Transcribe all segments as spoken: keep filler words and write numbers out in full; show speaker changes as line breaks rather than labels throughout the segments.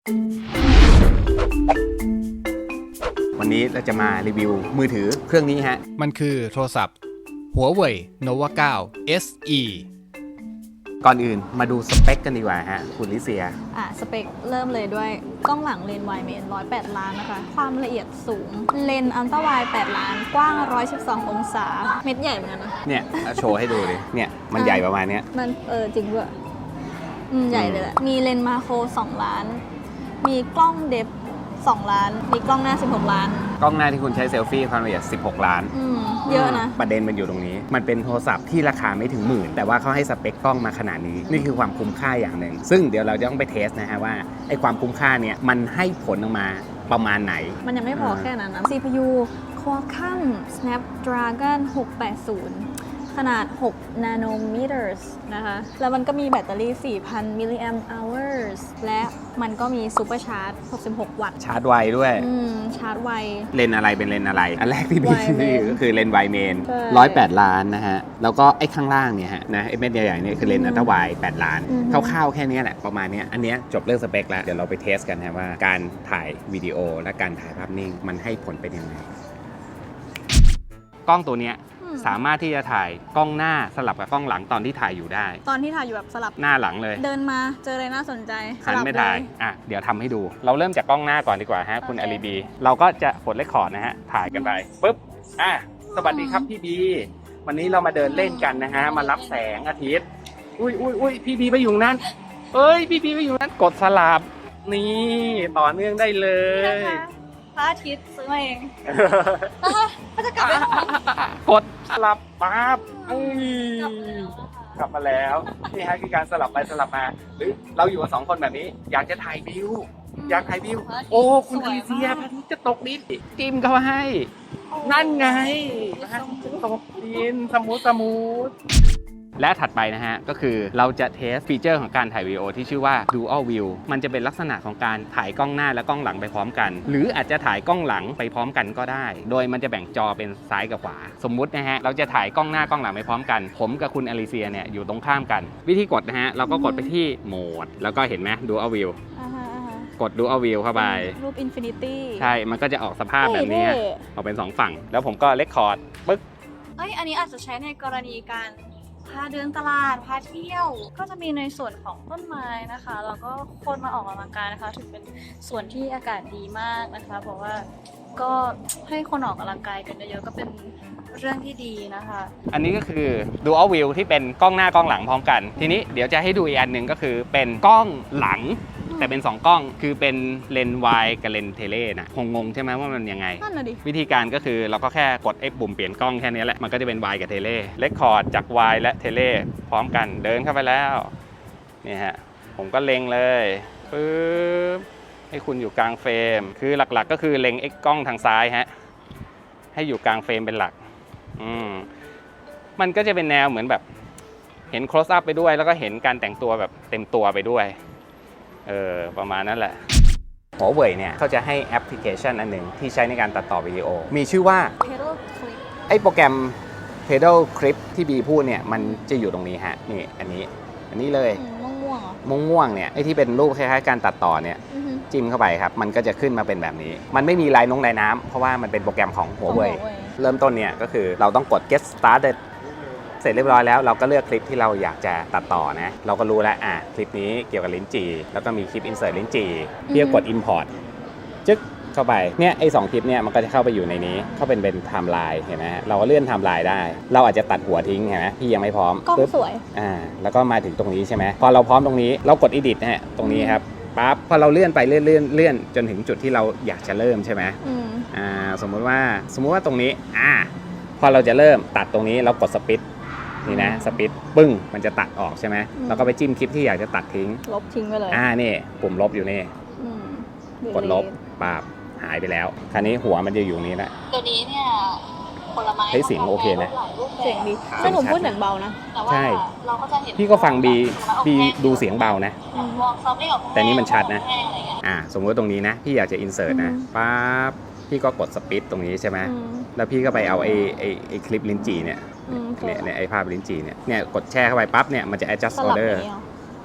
วันนี้เราจะมารีวิวมือถือเครื่องนี้ฮะ
มันคือโทรศัพท์ Huawei Nova ไนน์ เอส อี
ก่อนอื่นมาดูสเปคกันดีกว่าฮะคุณลิเซีย
อ่ะสเปคเริ่มเลยด้วยกล้องหลังเลนส์ไวด์เมนหนึ่งร้อยแปดล้านนะคะความละเอียดสูงเลนส์อัลตร้าไวด์แปดล้านกว้างหนึ่งร้อยสิบสององศาเม็ดใหญ่เหมือนกันนะ
เนี่ยโชว์ให้ดูดิเนี่ยมันใหญ่ประมาณเนี้ย
มันเออจริงด้วยอืมใหญ่เลยแหละมีเลนส์มาโครสองล้านมีกล้องเดฟสองล้านมีกล้องหน้าสิบหกล้าน
กล้องหน้าที่คุณใช้เซลฟี่ความละเอียดสิบหกล้าน
อืมเยอะนะ
ประเด็นมันอยู่ตรงนี้มันเป็นโทรศัพท์ที่ราคาไม่ถึงหมื่นแต่ว่าเขาให้สเปคกล้องมาขนาดนี้นี่คือความคุ้มค่าอย่างหนึ่งซึ่งเดี๋ยวเราจะต้องไปเทสนะฮะว่าไอ้ความคุ้มค่าเนี่ยมันให้ผลออกมาประมาณไหน
มันยังไม่พอแค่นั้นนะ ซี พี ยู Qualcomm Snapdragon หกแปดศูนย์ขนาดหก nanometers นะคะแล้วมันก็มีแบตเตอรี่ สี่พัน มิลลิแอมป์อเวอร์สและมันก็มีซูเปอร์ชาร์จหกสิบหกวัตต์
ชาร์จไวด้วย
อืมชาร์จไว
เลนอะไรเป็นเลนอะไรอันแรกที่พี่ซื้อก็คือเลนไวเมน
หนึ่
งร้อยแปดล้านนะฮะแล้วก็ไอ้ข้างล่างเนี่ยฮะนะไอ้เม็ดใหญ่ๆเนี่ยคือเลนอัลตร้าไวด์แปดล้านคร่าวๆแค่นี้แหละประมาณนี้อันเนี้ยจบเรื่องสเปคแล้วเดี๋ยวเราไปเทสกันนะว่าการถ่ายวิดีโอและการถ่ายภาพนิ่งมันให้ผลเป็นยังไงกล้องตัวเนี้ยสามารถที่จะถ่ายกล้องหน้าสลับกับกล้องหลังตอนที่ถ่ายอยู่ได้
ตอนที่ถ่ายอยู่แบบสลับ
หน้าหลังเลย
เดินมาเจออะไรน่าสนใจ
หันไม่ถ่ายอ่ะเดี๋ยวทำให้ดูเราเริ่มจากกล้องหน้าก่อนดีกว่าฮะคุณอาลีบีเราก็จะกดเรคคอร์ดนะฮะถ่ายกันไปปุ๊บอ่ะสวัสดีครับพี่บีวันนี้เรามาเดินเล่นกันนะฮะมารับแสงอาทิตย์อุ้ยอุ้ยอุ้ยพี่บีไปอยู่นั้นเอ้ยพี่บีไปอยู่นั้นกดสลับนี่ต่อเนื่องได้เลย
พระอาทิตย์ซื้อมาเองก็จะกลับไป
กดสลับปั๊บกลับมาแล้วนี่ฮะคือการสลับไปสลับมาหรือเราอยู่กันสองคนแบบนี้อยากจะถ่ายวิวอยากถ่ายวิวโอ้คุณอาลีเซียพระอาทิตย์จะตกดินจิ้มเข้าให้นั่นไงพระอาทิตย์จะตกดินสมูทสมูทและถัดไปนะฮะก็คือเราจะเทสฟีเจอร์ของการถ่ายวิดีโอที่ชื่อว่า Dual View มันจะเป็นลักษณะของการถ่ายกล้องหน้าและกล้องหลังไปพร้อมกันหรืออาจจะถ่ายกล้องหลังไปพร้อมกันก็ได้โดยมันจะแบ่งจอเป็นซ้ายกับขวาสมมุตินะฮะเราจะถ่ายกล้องหน้ากล้องหลังไปพร้อมกันผมกับคุณอาลีเซียเนี่ยอยู่ตรงข้ามกันวิธีกดนะฮะเราก็กดไปที่โหมดแล้วก็เห็นไหม Dual View กด Dual View เข้าไป
รูป Infinity
ใช่มันก็จะออกสภาพแบบนี้ออกเป็นสองฝั่งแล้วผมก็เรคคอร์ดปึ๊ก
เอ้ยอันนี้อาจจะใช้ในกรณีการพาเดินตลาดพาเที่ยวก็จะมีในส่วนของต้นไม้นะคะแล้วก็คนมาออกกำลังกายนะคะถือเป็นส่วนที่อากาศดีมากนะคะเพราะว่าก็ให้คนออกกำลังกายกันเยอะๆก็เป็นเรื่องที่ดีนะคะ
อันนี้ก็คือ Dual View ที่เป็นกล้องหน้ากล้องหลังพร้อมกันทีนี้เดี๋ยวจะให้ดูอีกอันหนึ่งก็คือเป็นกล้องหลังแต่เป็นสองกล้องคือเป็นเลนส์วายกับเลนส์เทเลนะคงงงใช่ไหมว่ามันยังไงวิธีการก็คือเราก็แค่กดไอ้ปุ่มเปลี่ยนกล้องแค่นี้แหละมันก็จะเป็นวายกับเทเลเรคคอร์ดจากวายและเทเลพร้อมกันเดินเข้าไปแล้วนี่ฮะผมก็เล็งเลยปึ๊บให้คุณอยู่กลางเฟรมคือหลักๆก็คือเล็งไอ้กล้องทางซ้ายฮะให้อยู่กลางเฟรมเป็นหลักอืมมันก็จะเป็นแนวเหมือนแบบเห็น close up ไปด้วยแล้วก็เห็นการแต่งตัวแบบเต็มตัวไปด้วยเออประมาณนั้นแหละ Huawei เนี่ยเขาจะให้แอปพลิเคชันอันหนึ่งที่ใช้ในการตัดต่อวิดีโอมีชื่อว่า
Pedal Clip
ไอ้โปรแกรม Pedal Clip ที่บีพูดเนี่ยมันจะอยู่ตรงนี้ฮะนี่อันนี้อันนี้เลย
ม่วงๆ
ม่วงๆเนี่ยไอ้ที่เป็นรูปคล้ายๆการตัดต่อเนี่ยจิ้มเข้าไปครับมันก็จะขึ้นมาเป็นแบบนี้มันไม่มีลายนงลายน้ำเพราะว่ามันเป็นโปรแกรมของ Huawei เริ่มต้นเนี่ยก็คือเราต้องกด get startedเสร็จเรียบร้อยแล้วเราก็เลือกคลิปที่เราอยากจะตัดต่อนะเราก็รู้แล้วอ่ะคลิปนี้เกี่ยวกับลิ้นจี่แล้วก็มีคลิป insert ลิ้นจี่พี่ก็กด import จึ๊กเข้าไปเนี่ยไอ้สองคลิปเนี่ยมันก็จะเข้าไปอยู่ในนี้เข้าเป็นเป็นไทม์ไลน์เห็นไหมเราก็เลื่อนไทม์ไลน์ได้เราอาจจะตัดหัวทิ้งเห็นไหมพี่ยังไม่พร้อม
กล้องสวย
อ่าแล้วก็มาถึงตรงนี้ใช่ไหมพอเราพร้อมตรงนี้เรากด edit นะฮะตรงนี้ครับปั๊บพอเราเลื่อนไปเลื่อนเลื่อนเลื่อนจนถึงจุดที่เราอยากจะเริ่มใช่ไหมอ่าสมมติว่าสมมติว่าตรงนี้อ่าพอเราจะเริ่มตัดตรงนี้เรากดสปีดนี่นะสปีดปึ้งมันจะตัดออกใช่ไหมเราก็ไปจิ้มคลิปที่อยากจะตัดทิ้ง
ลบทิ้งไปเลย
อ่านี่ปุ่มลบอยู่นี่กดลบปาบหายไปแล้วคราวนี้หัวมันจะอยู่นี้แหละ
ตัวนี้เนี่ยผลไม้
เฮ้ยเสียงโอเคนะ
เสียงดีถ้าหนูพูดเสียงเบานะ
ใช่พี่ก็ฟังบีบีดูเสียงเบานะแต่นี้มันชัดนะอ่าสมมติตรงนี้นะพี่อยากจะอินเสิร์ตนะปั๊บพี่ก็กดสปีดตรงนี้ใช่ไหมแล้วพี่ก็ไปเอาไอ้ไอ้ไอ้คลิปลิ้นจี่เนี่ยเนี่ยไอ้ภาพลิ้นจี่เนี่ยเนี่ยกดแช่เข้าไปปั๊บเนี่ยมันจะ adjust order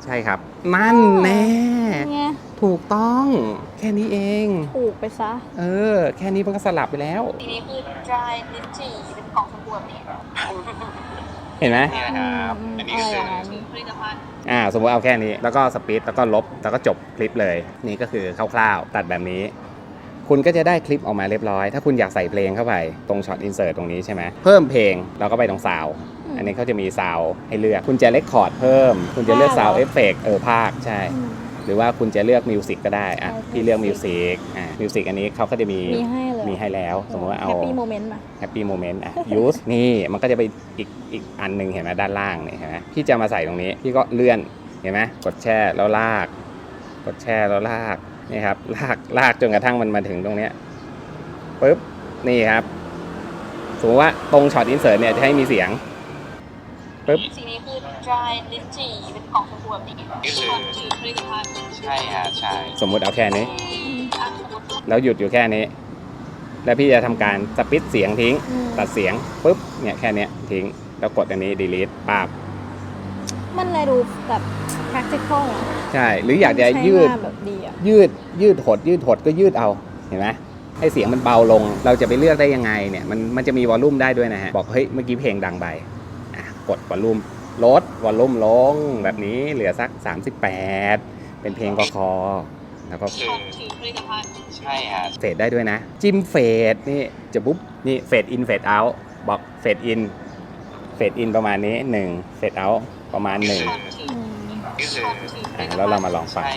ใช่ครับนั่นแน่
ไง
ถูกต้องแค่นี้เอง
ถูกไปซะ
เออแค่นี้มันก็สลับไปแล้ว
ทีนี้คือ dry ลิ้นจี่เป็นกล่องสบู่แบบนี้
เห็นไหม
นี่นะครับอันนี้ก็คือผลิตภัณฑ์
อ่าสมมติเอาแค่นี้แล้วก็สปีดแล้วก็ลบแล้วก็จบคลิปเลยนี่ก็คือคร่าวๆตัดแบบนี้ คุณก็จะได้คลิปออกมาเรียบร้อย ถ้าคุณอยากใส่เพลงเข้าไปตรงช็อตอินเสิร์ตตรงนี้ใช่ไหมเพิ่มเพลงเราก็ไปตรงซาวด์อันนี้เขาจะมีซาวด์ให้เลือกคุณจะเลคคอร์ดเพิ่มคุณจะเลือกซาวด์เอฟเฟกต์เออภาคใช่หรือว่าคุณจะเลือกมิวสิกก็ได้อ่ะพี่เลือกมิวสิกอ่ะมิวสิกอันนี้เขาก็จะมี
มีให้เลย
มีให้แล้วสมมติว่าเอา
แฮปปี้โมเมนต์มา
แฮปปี้โมเมนต์อ่ะ use นี่มันก็จะไปอีกอีกอันหนึ่งเห็นไหมด้านล่างเนี่ยเห็นไหมพี่จะมาใส่ตรงนี้พี่ก็เลื่อนเห็นไหมกดแช่แล้วลาก กดแช่แล้วลากนี่ครับลากลากจนกระทั่งมันมาถึงตรงเนี้ยปึ๊บนี่ครับสมมติว่าตรงช็อตอินเสิร์ตเนี่ยจะให้มีเสียงปึ๊บ
สีนี้คือ dry ลิ้นจี่เป็นกล่องสบู่แบบนี้คือผลิตภัณฑ์
ใช่ฮะใช่สมมุติเอาแค่นี้ แล้วหยุดอยู่แค่นี้ แล้วพี่จะทำการสปิดเสียงทิ้งตัดเสียงปุ๊บเนี่ยแค่นี้ทิ้งแล้วกดอันนี้ delete ปั๊บ
มันเลยดูแบบ practical อ่ะ
ใช่หรืออยากจะยืด
ใช้งานแบบดีอ่ะ
ยืดยืดหดยืดหดก็ยืดเอาเห็นไหมให้เสียงมันเบาลงเราจะไปเลือกได้ยังไงเนี่ยมันมันจะมีวอลลุ่มได้ด้วยนะฮะบอกเฮ้ยเมื่อกี้เพลงดังไปอ่ะกดวอลลุ่มลดวอลลุ่มลงแบบนี้เหลือสักสามสิบแปดเป็นเพลงกคอแล้วก็
ถือผลิตภัณฑ์
ใช่ฮะเฟดได้ด้วยนะจิ้มเฟดนี่จะปุ๊บนี่เฟดอินเฟดเอาท์บอกเฟดอินเฟดอินประมาณนี้หนึ่งเฟดเอาท์ประมาณหนึ่งอ่ะแล้วเรามาลองฟัง
ที่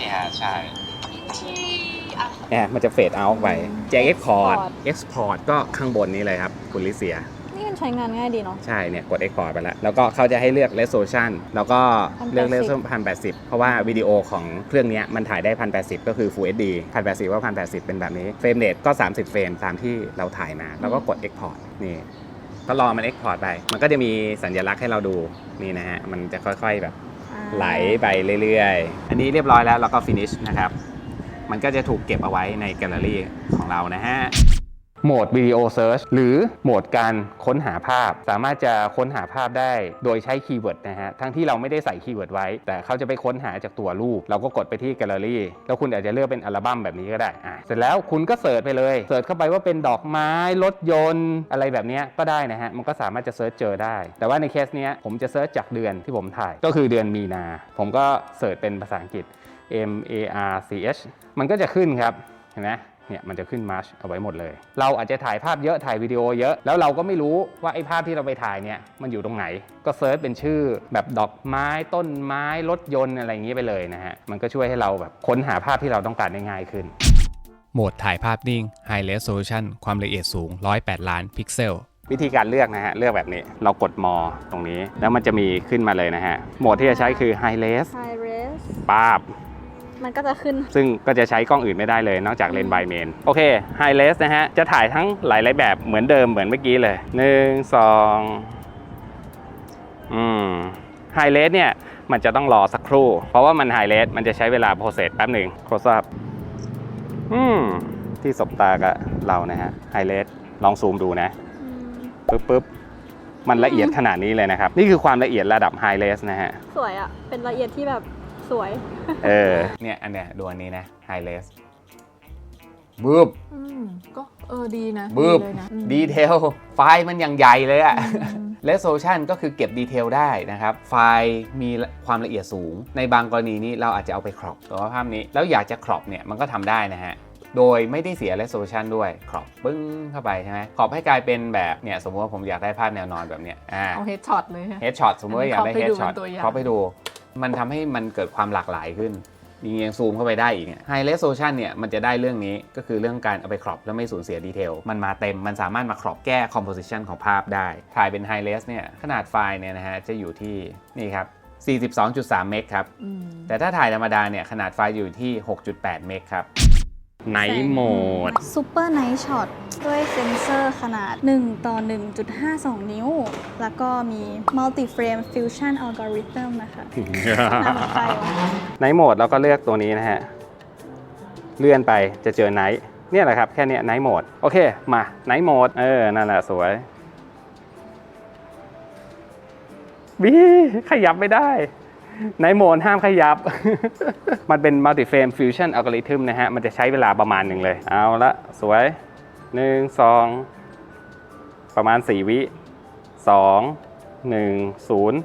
อ่ะ
เนี่ยมันจะเฟดเอาท์ไปแจ็คเอ็กพอร์ตเอ็กซ์พอร์ตก็ข้างบนนี้เลยครับคุณลิเซีย
นี่มันใช้งานง่ายดีเนาะ
ใช่เนี่ยกด Export ไปแล้วแล้วก็เขาจะให้เลือก Resolution แล้วก็เลือก Resolution หนึ่งพันแปดสิบเพราะว่าวิดีโอของเครื่องนี้มันถ่ายได้ หนึ่งพันแปดสิบ ก็คือ Full เอช ดี หนึ่งพันแปดสิบว่า หนึ่งพันแปดสิบ เป็นแบบนี้เฟรมเรทก็สามสิบเฟรมตามที่เราถ่ายมาแล้วก็กด Export นี่ก็รอมัน Export ไปมันก็จะมีสัญลักษณ์ให้เราดูนี่นะฮะมันจะค่อยๆแบบไหลไปเรื่อยๆอันนี้เรียบร้อยแล้วแล้วก็ Finish นะครับมันก็จะถูกเก็บเอาไว้ในแกลเลอรี่ของเรานะฮะโหมดวิดีโอเซิร์ชหรือโหมดการค้นหาภาพสามารถจะค้นหาภาพได้โดยใช้คีย์เวิร์ดนะฮะทั้งที่เราไม่ได้ใส่คีย์เวิร์ดไว้แต่เขาจะไปค้นหาจากตัวรูปเราก็กดไปที่แกลเลอรี่แล้วคุณอาจจะเลือกเป็นอัลบั้มแบบนี้ก็ได้อ่ะเสร็จแล้วคุณก็เสิร์ชไปเลยเสิร์ชเข้าไปว่าเป็นดอกไม้รถยนต์อะไรแบบนี้ก็ได้นะฮะมันก็สามารถจะเสิร์ชเจอได้แต่ว่าในเคสเนี้ยผมจะเสิร์ชจากเดือนที่ผมถ่ายก็คือเดือนมีนาผมก็เสิร์ชเป็นภาษาอังกฤษ M A R C H มันก็จะขึ้นครับเห็นไหมเนี่ยมันจะขึ้นมาร์ชเอาไว้หมดเลยเราอาจจะถ่ายภาพเยอะถ่ายวิดีโอเยอะแล้วเราก็ไม่รู้ว่าไอ้ภาพที่เราไปถ่ายเนี่ยมันอยู่ตรงไหนก็เซิร์ชเป็นชื่อแบบดอกไม้ต้นไม้รถยนต์อะไรอย่างนี้ไปเลยนะฮะมันก็ช่วยให้เราแบบค้นหาภาพที่เราต้องการได้ง่ายขึ้น
โหมดถ่ายภาพนิ่ง High Resolution ความละเอียดสูงหนึ่งร้อยแปดล้านพิกเซล
วิธีการเลือกนะฮะเลือกแบบนี้เรากดมอตรงนี้แล้วมันจะมีขึ้นมาเลยนะฮะโหมดที่จะใช้คือ High Res
High res
ป๊าบ
มันก็จะขึ้น
ซึ่งก็จะใช้กล้องอื่นไม่ได้เลยนอกจากเลนส์ไบเมนโอเค High Res นะฮะจะถ่ายทั้งหลายๆแบบเหมือนเดิมเหมือนเมื่อกี้เลยหนึ่ง สองอืม High Res เนี่ยมันจะต้องรอสักครู่เพราะว่ามัน High Res มันจะใช้เวลาโปรเซสแป๊บหนึ่ง Close up อืมที่สบตากับเรานะฮะ High Res ลองซูมดูนะปึ๊บปึ๊บมันละเอียดขนาดนี้เลยนะครับนี่คือความละเอียดระดับ High Res นะฮะ
สวยอ่ะเป็นละเอียดที่แบบสวย
เออเนี่ยอันเนี้ยดูอันนี้นะ High Res บึ้บ
ก็เออดีนะ
บึ้บ
เลยนะ
ดีเทลไฟล์มันยังใหญ่เลยอะ Resolution ก็คือเก็บดีเทลได้นะครับไฟล์มีความละเอียดสูงในบางกรณีนี้เราอาจจะเอาไปครอปตัวภาพนี้แล้วอยากจะครอปเนี่ยมันก็ทำได้นะฮะโดยไม่ได้เสีย resolution ด้วยครอปปึ้งเข้าไปใช่ไหมครอปให้กลายเป็นแบบเนี่ยสมมติว่าผมอยากได้ภาพแนวนอนแบบเนี้ยอ่า
เอาเฮดช็อตเลยฮะ
เฮดช็อตสมมติว่าอยากได้เฮดช็อต
ครอป
ไปดูมันทำให้มันเกิดความหลากหลายขึ้นยิงยังซูมเข้าไปได้อีก High Resolution เนี่ยมันจะได้เรื่องนี้ก็คือเรื่องการเอาไปครอปแล้วไม่สูญเสียดีเทลมันมาเต็มมันสามารถมาครอปแก้ composition ของภาพได้ถ่ายเป็น High Res เนี่ยขนาดไฟล์เนี่ยนะฮะจะอยู่ที่นี่ครับ สี่สิบสองจุดสาม เมกครับแต่ถ้าถ่ายธรรมดาเนี่ยขนาดไฟล์อยู่ที่ หกจุดแปด เมกครับNight Mode
Super Night Shot ด้วยเซ็นเซอร์ขนาดหนึ่งต่อหนึ่งจุดห้าสอง นิ้วแล้วก็มี Multi Frame Fusion Algorithm นะคะน่าสนใจว่ะ
Night Mode เราก็เลือกตัวนี้นะฮะเลื่อนไปจะเจอ Night เนี่ยแหละครับแค่นี้ Night Mode โอเคมา Night Mode เออนั่นแหละสวยวิขยับไม่ได้ในโหมดห้ามขยับ มันเป็น multi frame fusion algorithm นะฮะ มันจะใช้เวลาประมาณหนึ่งเลย เอาละสวยหนึ่ง สอง ประมาณสี่วิสอง หนึ่ง ศูนย์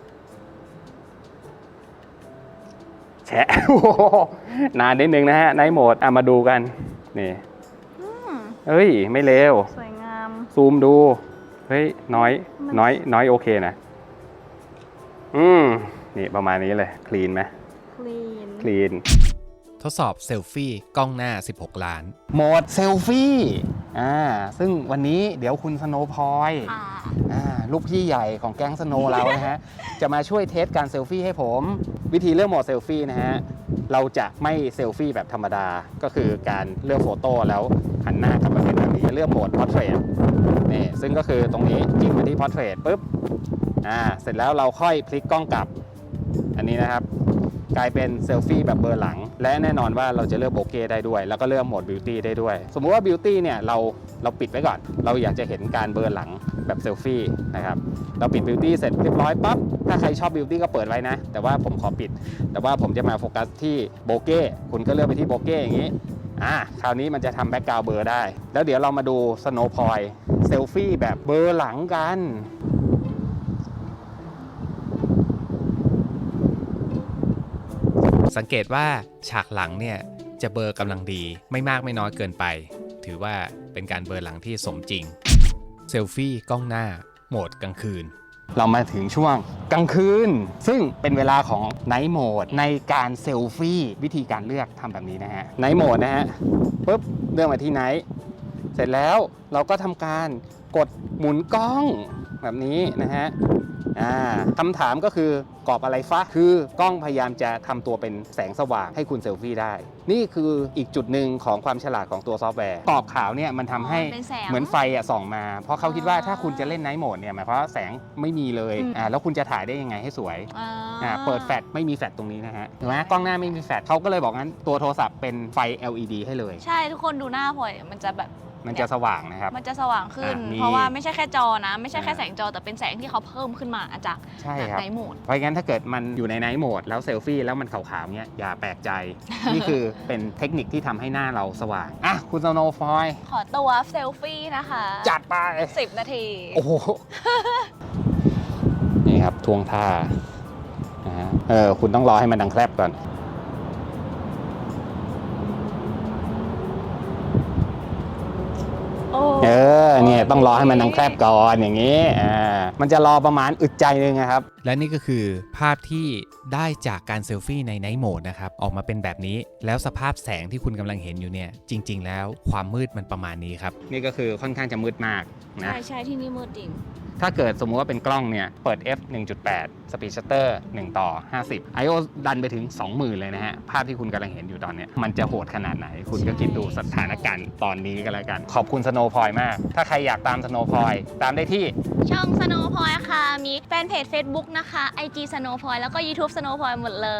แฉะ นานนิดนึงนะฮะในโหมดอ่ะมาดูกัน นี่
อืม
เอ้ย ไม่เร็ว
สวยงาม
ซูมดู เฮ้ย น้อย น้อย น้อยโอเคนะ อืม นี่ประมาณนี้เลย คลีนไหม
คลีน
คลีน
ทดสอบเซลฟี่กล้องหน้า สิบหก ล้าน
โหมดเซลฟี่ อ่า ซึ่งวันนี้เดี๋ยวคุณสโนว์พอย
อ่า
อ่า ลูกพี่ใหญ่ของแก๊งสโนว์เรานะฮะ จะมาช่วยเทสการเซลฟี่ให้ผม วิธีเลือกโหมดเซลฟี่นะฮะ เราจะไม่เซลฟี่แบบธรรมดา ก็คือการเลือกโฟโต้แล้วหันหน้ากลับมาเป็นแบบนี้เลือกโหมด Portrait นี่ซึ่งก็คือตรงนี้จิ้มไปที่ Portrait ปุ๊บ อ่า เสร็จแล้วเราค่อยพลิกกล้องกลับ อันนี้นะครับ กลายเป็นเซลฟี่แบบเบอร์หลัง และแน่นอนว่าเราจะเลือกโบเก้ได้ด้วย แล้วก็เลือกโหมดบิวตี้ได้ด้วย สมมุติว่าบิวตี้เนี่ยเราเราปิดไว้ก่อน เราอยากจะเห็นการเบอร์หลังแบบเซลฟี่นะครับ เราปิดบิวตี้เสร็จเรียบร้อยปั๊บ ถ้าใครชอบบิวตี้ก็เปิดไว้นะ แต่ว่าผมขอปิด แต่ว่าผมจะมาโฟกัสที่โบเก้คุณก็เลือกไปที่โบเก้อย่างนี้ อ่า คราวนี้มันจะทำแบ็กกราวด์เบอร์ได้ แล้วเดี๋ยวเรามาดูสโนว์พอยต์เซลฟี่แบบเบอร์หลังกัน
สังเกตว่าฉากหลังเนี่ยจะเบลอกำลังดีไม่มากไม่น้อยเกินไป ถือว่าเป็นการเบลอหลังที่สมจริงเซลฟี่กล้องหน้าโหมดกลางคืน
เรามาถึงช่วงกลางคืน ซึ่งเป็นเวลาของไนท์โหมดในการเซลฟี่วิธีการเลือกทำแบบนี้นะฮะไนท์โหมดนะฮะปุ๊บเลือกมาที่ไนท์เสร็จแล้วเราก็ทำการกดหมุนกล้องแบบนี้นะฮะอ่าคำถามก็คือกรอบอะไรฟะคือกล้องพยายามจะทำตัวเป็นแสงสว่างให้คุณเซลฟี่ได้ นี่คืออีกจุดหนึ่งของความฉลาดของตัวซอฟต์แวร์กรอบขาวเนี่ยมันทำให้
เป็นแสง
เหมือนไฟอะส่องมา เพราะเขาคิดว่าถ้าคุณจะเล่นไนท์โหมดเนี่ยหมายความว่าแสงไม่มีเลย
อืม
อ่าแล้วคุณจะถ่ายได้ยังไงให้สวย
อ่า
อ่าเปิดแฟลชไม่มีแฟลชตรงนี้นะฮะเห็นไหมกล้องหน้าไม่มีแฟลชเขาก็เลยบอกงั้นตัวโทรศัพท์เป็นไฟ แอล อี ดี ให้เลย
ใช่ทุกคนดูหน้าพลอยมันจะแบบ
มันจะสว่างนะครับ
มันจะสว่างขึ้น
อ่ะมี
เพราะว่าไม่ใช่แค่จอนะ ไม่ใช่แค่
อ่า
แสงจอแต่เป็นแสงที่เขาเพิ่มขึ้นมาจาก
ใช่ครับ
ไนท์โหมด
เพราะงั้นถ้าเกิดมันอยู่ในไนท์โหมดแล้วเซลฟี่แล้วมันขาวๆเนี่ยอย่าแปลกใจ นี่คือเป็นเทคนิคที่ทำให้หน้าเราสว่างอ่ะคุณสโนว์ฟอย
ขอตัวเซลฟี่นะคะ
จัดไป
สิบนาที
โอ้โห นี่ครับทวงท่านะฮะเออคุณต้องรอให้มันดังแคลบก่อน
โอ้
เออเนี่ยต้องรอให้มันดังแคลบก่อนอย่างนี้อ่ามันจะรอประมาณอึดใจนึงนะครับ
และนี่ก็คือภาพที่ได้จากการเซลฟี่ในไนท์โหมดนะครับออกมาเป็นแบบนี้แล้วสภาพแสงที่คุณกำลังเห็นอยู่เนี่ยจริงๆแล้วความมืดมันประมาณนี้ครับ
นี่ก็คือค่อนข้างจะมืดมากนะ
ใช่ใช่ที่นี่มืดจริง
ถ้าเกิดสมมุติว่าเป็นกล้องเนี่ยเปิด เอฟ หนึ่งจุดแปด Speed Shutter หนึ่งต่อห้าสิบ ไอ โอ ดันไปถึง สองหมื่น เลยนะฮะภาพที่คุณกำลังเห็นอยู่ตอนเนี้ยมันจะโหดขนาดไหน คุณก็คิดดูสถานการณ์ตอนนี้กันแล้วกัน ขอบคุณสโนว์พอยมาก ถ้าใครอยากตามสโนว์พอยตามได้ที่
ช่อง Snow Point ค่ะ มีแฟนเพจ Facebook นะคะ ไอ จี Snow Point แล้วก็ YouTube Snow Point หมดเลย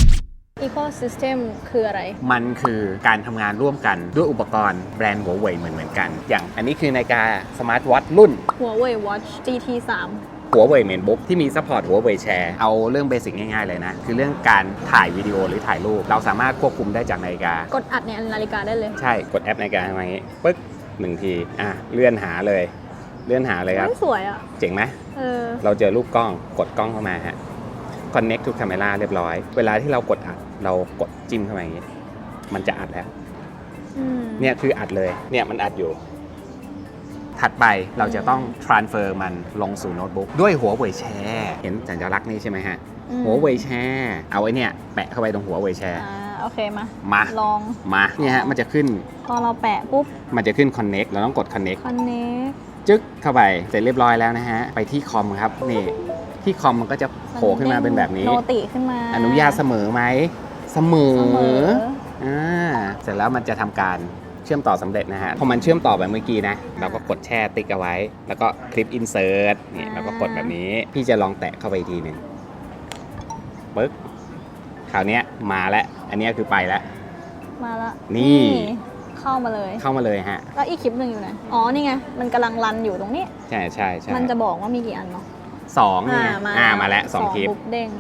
Ecosystem คืออะไร
มันคือการทำงานร่วมกันด้วยอุปกรณ์แบรนด์หัวเว่ยเหมือนเหมือนกัน อย่างอันนี้คือนาฬิกาสมาร์ทวอทช์รุ่น
Huawei Watch จี ที สาม
หัวเว่ยเมนบุ๊กที่มีซัพพอร์ตหัวเว่ยแชร์เอาเรื่องเบสิกง่ายๆเลยนะ คือเรื่องการถ่ายวิดีโอหรือถ่ายรูป เราสามารถควบคุมได้จากนาฬิกาก
ดอัดในนาฬิกาได้เลย
ใช่กดแอปนาฬิกาทำอย่างนี้ปึ๊กหนึ่งทีอ่ะเลื่อนหาเลย เลื่อนหาเลยครับ
ไม่สวยอ่ะ
เจ๋งไหม
เออ
เราเจอรูปกล้องกดกล้องเข้ามาฮะ connect to camera เรียบร้อย เวลาที่เรากดอัดเรากดจิ้มเข้ามาอย่างนี้มันจะอัดแล้ว
อืม
เนี่ยคืออัดเลยเนี่ยมันอัดอยู่ ถัดไปเราจะต้อง transfer มันลงสู่โน้ตบุ๊กด้วยหัวเว่ยแชร์เห็นสัญลักษณ์นี้ใช่ไหมฮะ
อืม
หัวเว่ยแชร์เอาไว้เนี่ยแปะเข้าไปตรงหัวเว่ยแชร์
อ่าโอเคมา
มา
ลอง
มาเนี่ยฮะมันจะขึ้น
พอเราแปะปุ๊บ
มันจะขึ้น connect เราต้องกด connect
Connect
จึ๊กเข้าไปเสร็จเรียบร้อยแล้วนะฮะไปที่คอมครับนี่ที่คอมมันก็จะโผล่ขึ้นมาเป็นแบบนี้
โนติขึ้นมา
อนุญาตเสมอไหมเสมอ
เสมอ
อ่าเสร็จแล้วมันจะทำการเชื่อมต่อสำเร็จนะฮะพอมันเชื่อมต่อแบบเมื่อกี้นะเราก็กดแช่ติ๊กเอาไว้ แล้วก็คลิปอินเสิร์ตนี่เราก็กดแบบนี้พี่จะลองแตะเข้าไปอีกทีหนึ่งปึ๊กคราวนี้มาแล้วอันนี้คือไปแล้ว
มาละ
นี่
เข้ามาเลย
เข้ามาเลยฮะ
แล้วอีกคลิปหนึ่งอยู่ไหนอ๋อ นี่ไง มันกำลังรันอยู่ตรงนี้
ใช่ใช่ใช่
มันจะบอกว่ามีกี่อันเนาะ
สองเนี่ยอ่ามาแล้วสองคลิป
ปุ๊บเด้ง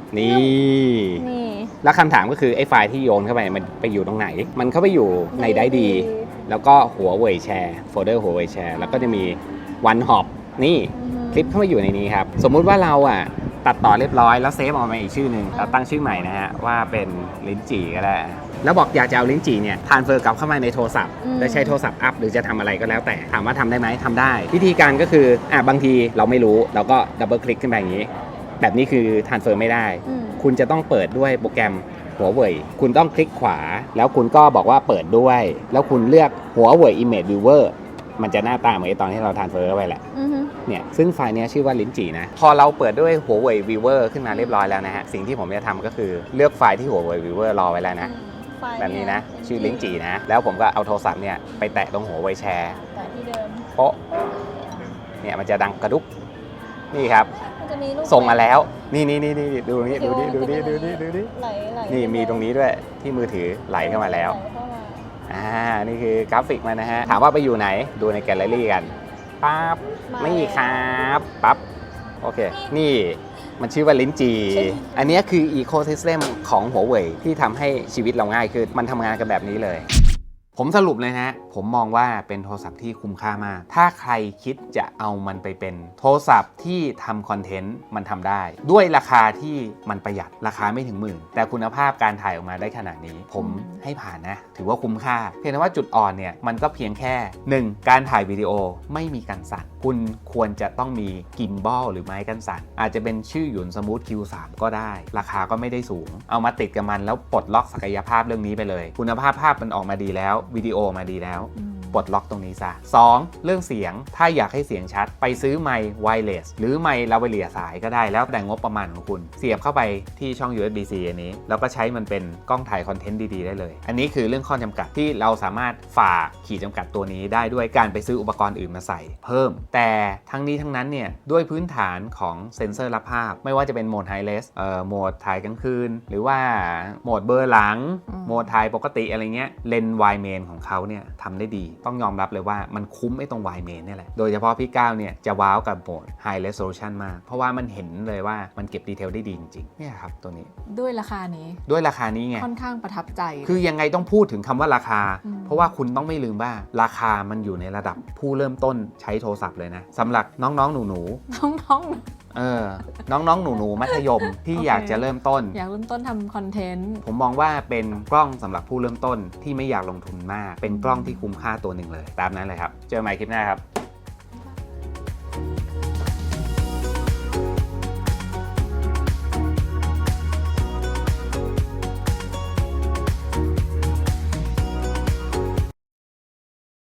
นี่
นี่
แล้วคำถามก็คือไอ้ไฟล์ที่โยนเข้าไปมันไปอยู่ตรงไหน มันเข้าไปอยู่ในได้ดี แล้วก็หัวเว่ยแชร์โฟลเดอร์หัวเว่ยแชร์แล้วก็จะมีวันฮอปนี่
อือฮึ
คลิปเข้ามาอยู่ในนี้ครับ สมมุติว่าเราอ่ะตัดต่อเรียบร้อยแล้วเซฟออกมาอีกชื่อหนึ่งเราตั้งชื่อใหม่นะฮะว่าเป็นลิ้นจี่ก็ได้แล้วบอกอยากจะเอาลิ้นจี่เนี่ยทรานสเฟอร์กลับเข้ามาในโทรศัพท์
อืม
และใช้โทรศัพท์อัพหรือจะทำอะไรก็แล้วแต่ถามว่าทำได้ไหมทำได้ วิธีการก็คืออ่ะบางทีเราไม่รู้เราก็ดับเบิลคลิกขึ้นไปอย่างนี้ แบบนี้คือทรานสเฟอร์ไม่ได้
อืม
คุณจะต้องเปิดด้วยโปรแกรมหัวเว่ยคุณต้องคลิกขวา แล้วคุณก็บอกว่าเปิดด้วย แล้วคุณเลือกหัวเว่ย Image Viewer มันจะหน้าตาเหมือนไอ้ตอนที่เราทรานสเฟอร์เข้าไปแหละ
อือฮึ
เนี่ยซึ่งไฟล์เนี้ยชื่อว่าลิ้นจี่นะ พอเราเปิดด้วยหัวเว่ย Viewer ขึ้นมาเรียบร้อยแล้วนะฮะ สิ่งที่ผมจะทำก็คือเลือกไฟล์ที่หัวเว่ย Viewer รอไว้แล้วนะ
ไฟล์
แบบนี้นะ
เป็
ชื่อลิ้นจี่นะ แล้วผมก็เอาโทรศัพท์เนี่ยไปแตะตรงหัวเว่ยแชร์
แต่ที่เดิม
โป๊ะเนี่ยมันจะดังกระดุกนี่ครับ
มันจะมีรูป
ส่งมาแล้ว นี่นี่นี่นี่ดูนี่ดูนี่ดูนี่ดูนี่ดูนี่
ไหลไหล
นี่มีตรงนี้ด้วยที่มือถือไหลเข้ามาแล้ว
ไหเข้ามา
อ่า นี่คือกราฟิกมันนะฮะ ถามว่าไปอยู่ไหน ดูในแกลเลอรี่กัน ปั๊บ ไม่มีครับ ปั๊บ โอเค นี่มันชื่อว่าลิ้นจี อันนี้คืออีโคซิสเต็มของหัวเว่ยที่ทำให้ชีวิตเราง่ายขึ้น มันทำงานกันแบบนี้เลย ผมสรุปเลยนะ ผมมองว่าเป็นโทรศัพท์ที่คุ้มค่ามาก ถ้าใครคิดจะเอามันไปเป็นโทรศัพท์ที่ทำคอนเทนต์มันทำได้ ด้วยราคาที่มันประหยัดราคาไม่ถึงหมื่น แต่คุณภาพการถ่ายออกมาได้ขนาดนี้ ผมให้ผ่านนะ ถือว่าคุ้มค่า เพียงแต่ว่าจุดอ่อนเนี่ยมันก็เพียงแค่ หนึ่ง การถ่ายวิดีโอไม่มีกันสั่น คุณควรจะต้องมีกิมบอลหรือไม้กันสั่น อาจจะเป็นชื่อหยุนสมูท คิว ทรี ก็ได้ ราคาก็ไม่ได้สูง เอามาติดกับมันแล้วปลดล็อกศักยภาพเรื่องนี้ไปเลย คุณภาพภาพมันออกมาดีแล้ววิดีโอมาดีแล้ว ปลดล็อกตรงนี้ซะ สอง เรื่องเสียงถ้าอยากให้เสียงชัด ไปซื้อไมค์ไวเลสหรือไมค์ลาวเลียสายก็ได้แล้วแต่งบประมาณของคุณเสียบเข้าไปที่ช่อง ยู เอส บี ซี อันนี้แล้วก็ใช้มันเป็นกล้องถ่ายคอนเทนต์ดีๆได้เลย อันนี้คือเรื่องข้อจำกัดที่เราสามารถฝ่าขีดจำกัดตัวนี้ได้ด้วยการไปซื้ออุปกรณ์อื่นมาใส่เพิ่ม แต่ทั้งนี้ทั้งนั้นเนี่ยด้วยพื้นฐานของเซ็นเซอร์รับภาพไม่ว่าจะเป็นโหมดไฮเรสเอ่อโหมดถ่ายกลางคืนหรือว่าโหมดเบลอร์หลังโหมดถ่ายปกติอะไรเงี้ยเลนส์ไวด์เมนของเขาเนี่ยทำได้ดีต้องยอมรับเลยว่ามันคุ้มไอ้ตรง wide main เนี่ยแหละ โดยเฉพาะพี่ก้าวเนี่ยจะว้าวกับโหมด high resolution มาก เพราะว่ามันเห็นเลยว่ามันเก็บดีเทลได้ดีจริงๆเนี่ยครับตัวนี้
ด้วยราคานี้
ด้วยราคานี้ไง
ค่อนข้างประทับใจ
คือยังไงต้องพูดถึงคำว่าราคา
อืม
เพราะว่าคุณต้องไม่ลืมว่าราคามันอยู่ในระดับผู้เริ่มต้นใช้โทรศัพท์เลยนะสำหรับน้องๆหนู
น้อง
ๆเออน้องๆหนูๆมัธยมที่
โอเค
อยากจะเริ่มต้น
ๆ อยากเริ่มต้นทำคอนเทนต์
ผมมองว่าเป็นกล้องสำหรับผู้เริ่มต้นที่ไม่อยากลงทุนมาก เป็นกล้องที่คุ้มค่าตัวหนึ่งเลย ตามนั้นเลยครับ เจอกันใหม่คลิปหน้าครับ